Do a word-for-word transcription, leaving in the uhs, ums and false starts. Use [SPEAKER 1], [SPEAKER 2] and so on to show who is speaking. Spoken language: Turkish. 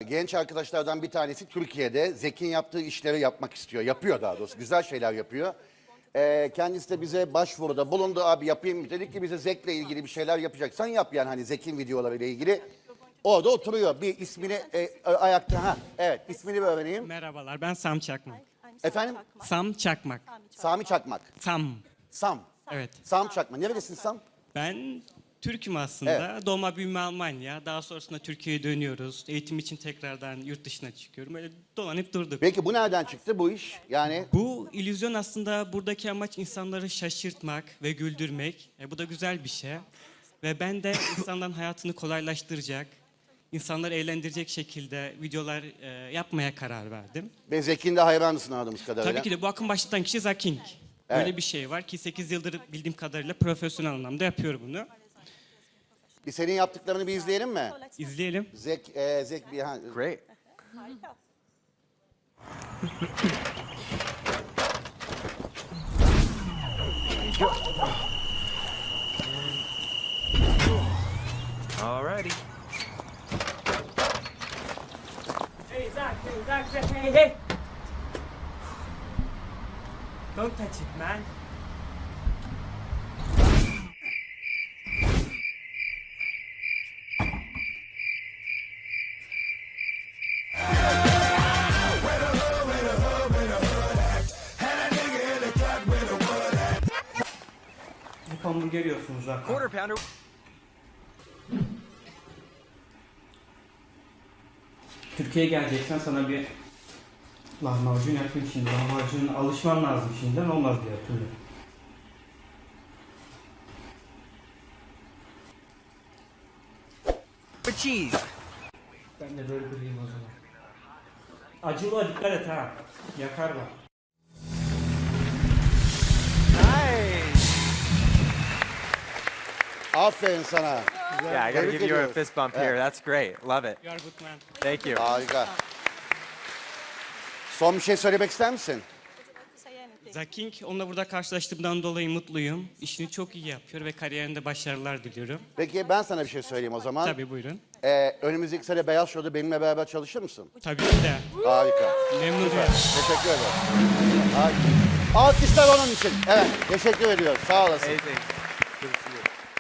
[SPEAKER 1] Genç arkadaşlardan bir tanesi Türkiye'de Zek'in yaptığı işleri yapmak istiyor. Yapıyor daha doğrusu. Güzel şeyler yapıyor. Ee, kendisi de bize başvuruda bulundu. Abi yapayım. Dedik ki bize Zek'le ilgili bir şeyler yapacaksan yap yani hani Zek'in videolarıyla ilgili. Orada oturuyor. Bir ismini e, ayakta. Ha, evet ismini bir öğreneyim.
[SPEAKER 2] Merhabalar, ben Sam Çakmak.
[SPEAKER 1] Efendim?
[SPEAKER 2] Sam Çakmak.
[SPEAKER 1] Sami Çakmak.
[SPEAKER 2] Sam.
[SPEAKER 1] Sam.
[SPEAKER 2] Evet.
[SPEAKER 1] Sam Çakmak. Neredesin Sam?
[SPEAKER 2] Ben Türk'üm aslında. Doğma büyüme Almanya. Daha sonrasında Türkiye'ye dönüyoruz. Eğitim için tekrardan yurt dışına çıkıyorum. Öyle dolanıp durduk.
[SPEAKER 1] Peki bu nereden çıktı bu iş? Yani
[SPEAKER 2] Bu illüzyon aslında buradaki amaç insanları şaşırtmak ve güldürmek. E, bu da güzel bir şey. Ve ben de insanların hayatını kolaylaştıracak, insanları eğlendirecek şekilde videolar e, yapmaya karar verdim.
[SPEAKER 1] ve Zek'in de hayranısın anladığımız kadarıyla.
[SPEAKER 2] Tabii ki de bu akım başlatan kişi Zaking.
[SPEAKER 1] Evet.
[SPEAKER 2] Böyle bir şey var ki sekiz yıldır bildiğim kadarıyla profesyonel anlamda yapıyor bunu.
[SPEAKER 1] Bir senin yaptıklarını bir izleyelim mi?
[SPEAKER 2] İzleyelim.
[SPEAKER 1] Zek, e, Zek bir... Ha,
[SPEAKER 3] Great. Alrighty.
[SPEAKER 2] Hey Zach, hey Zach, Zach, hey hey. Don't touch it, man. Bu hamburger yiyorsunuz zaten.
[SPEAKER 3] Quarter pounder.
[SPEAKER 2] Türkiye'ye geleceksen sana bir lahmacun yapayım şimdi. Lahmacuna alışman lazım şimdiden, olmaz diye yapıyorum.
[SPEAKER 3] With cheese.
[SPEAKER 2] Ben de böyle kırayım o zaman. Acılığa dikkat et ha. Yakar bak.
[SPEAKER 3] Nice.
[SPEAKER 1] aferin sana.
[SPEAKER 3] Yeah, I gotta
[SPEAKER 1] Tebrik
[SPEAKER 3] give you a
[SPEAKER 1] ediyoruz.
[SPEAKER 3] fist bump
[SPEAKER 1] Evet.
[SPEAKER 3] here. That's great. Love it.
[SPEAKER 2] You are good man.
[SPEAKER 3] Thank you.
[SPEAKER 1] Harika. Son bir şey söylemek ister misin?
[SPEAKER 2] Zaking, onunla burada karşılaştığımdan dolayı mutluyum. İşini çok iyi yapıyor ve kariyerinde başarılar diliyorum.
[SPEAKER 1] Peki ben sana bir şey söyleyeyim o zaman.
[SPEAKER 2] Tabii buyurun.
[SPEAKER 1] Ee, önümüzdeki sene Beyaz Show'da benimle beraber çalışır mısın?
[SPEAKER 2] Tabii ki de.
[SPEAKER 1] Harika.
[SPEAKER 2] Memnun olurum.
[SPEAKER 1] Teşekkür ederim. Harika. Alkışlar onun için. Evet, teşekkür ediyoruz. Sağ olasın.
[SPEAKER 3] Amazing.